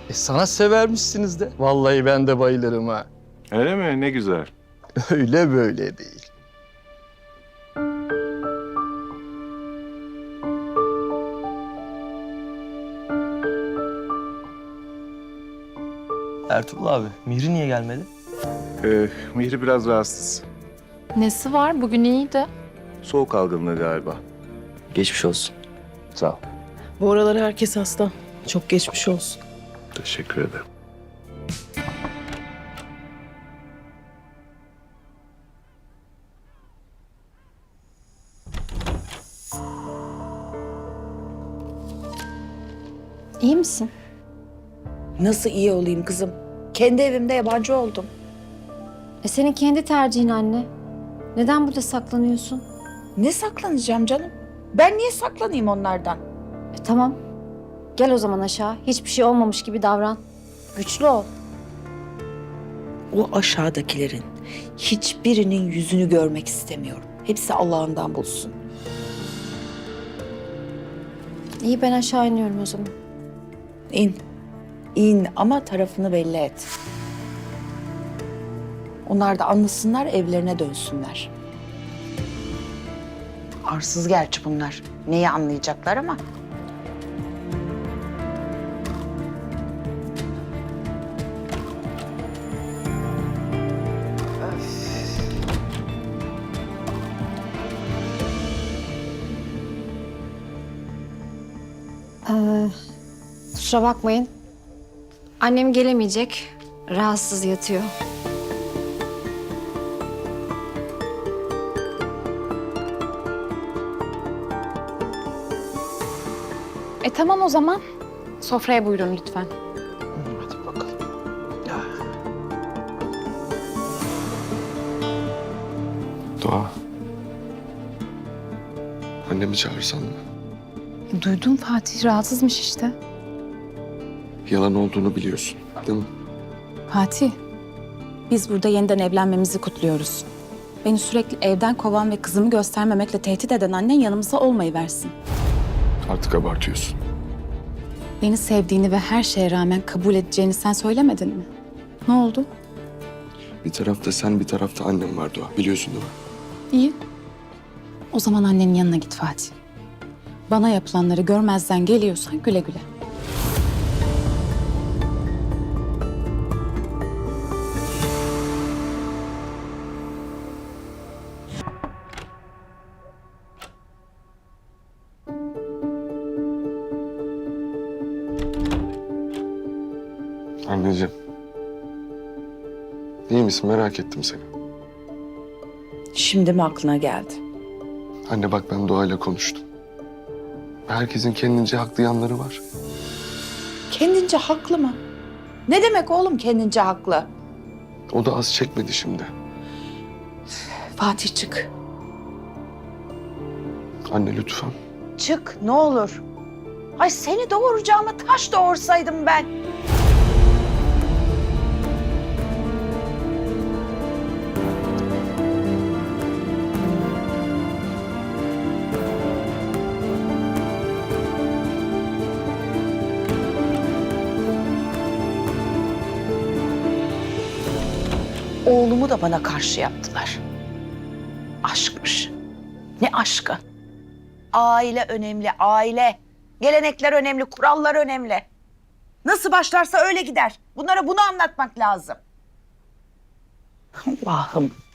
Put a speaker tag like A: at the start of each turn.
A: Sana severmişsiniz de. Vallahi ben de bayılırım ha.
B: Öyle mi? Ne güzel.
A: Öyle böyle değil.
C: Ertuğrul abi, Mihri niye gelmedi?
B: Mihri biraz rahatsız.
D: Nesi var? Bugün iyiydi.
B: Soğuk algınlığı galiba.
C: Geçmiş olsun.
B: Sağ ol.
E: Bu aralar herkes hasta. Çok geçmiş olsun.
B: Teşekkür ederim.
F: İyi misin?
G: Nasıl iyi olayım kızım? Kendi evimde yabancı oldum.
F: Senin kendi tercihin anne. Neden burada saklanıyorsun?
G: Ne saklanacağım canım? Ben niye saklanayım onlardan?
F: Tamam. Gel o zaman aşağı. Hiçbir şey olmamış gibi davran. Güçlü ol.
G: O aşağıdakilerin hiçbirinin yüzünü görmek istemiyorum. Hepsi Allah'ından bulsun.
F: İyi, ben aşağı iniyorum o zaman.
G: İn. İn ama tarafını belli et. Onlar da anlasınlar, evlerine dönsünler. Arsız gerçi bunlar. Neyi anlayacaklar ama.
F: Kusura bakmayın. Annem gelemeyecek. Rahatsız yatıyor.
D: Tamam o zaman. Sofraya buyurun lütfen.
A: Hadi bakalım.
H: Doğa. Annemi çağırsan mı?
D: Duydum, Fatih rahatsızmış işte.
H: Yalan olduğunu biliyorsun, değil mi?
I: Fatih, biz burada yeniden evlenmemizi kutluyoruz. Beni sürekli evden kovan ve kızımı göstermemekle tehdit eden annen yanımıza olmayıversin.
H: Artık abartıyorsun.
I: Beni sevdiğini ve her şeye rağmen kabul edeceğini sen söylemedin mi? Ne oldu?
H: Bir tarafta sen, bir tarafta annem var Doğa. Biliyorsun değil mi?
I: İyi. O zaman annenin yanına git Fatih. Bana yapılanları görmezden geliyorsan güle güle.
H: Anneciğim. İyi misin? Merak ettim seni.
G: Şimdi mi aklına geldi?
H: Anne bak ben Doğa'yla konuştum. Herkesin kendince haklı yanları var.
G: Kendince haklı mı? Ne demek oğlum kendince haklı?
H: O da az çekmedi şimdi.
G: Fatih çık.
H: Anne lütfen.
G: Çık ne olur. Ay seni doğuracağıma taş doğursaydım ben. Oğlumu da bana karşı yaptılar. Aşkmış. Ne aşkı? Aile önemli, aile. Gelenekler önemli, kurallar önemli. Nasıl başlarsa öyle gider. Bunlara bunu anlatmak lazım. Allah'ım.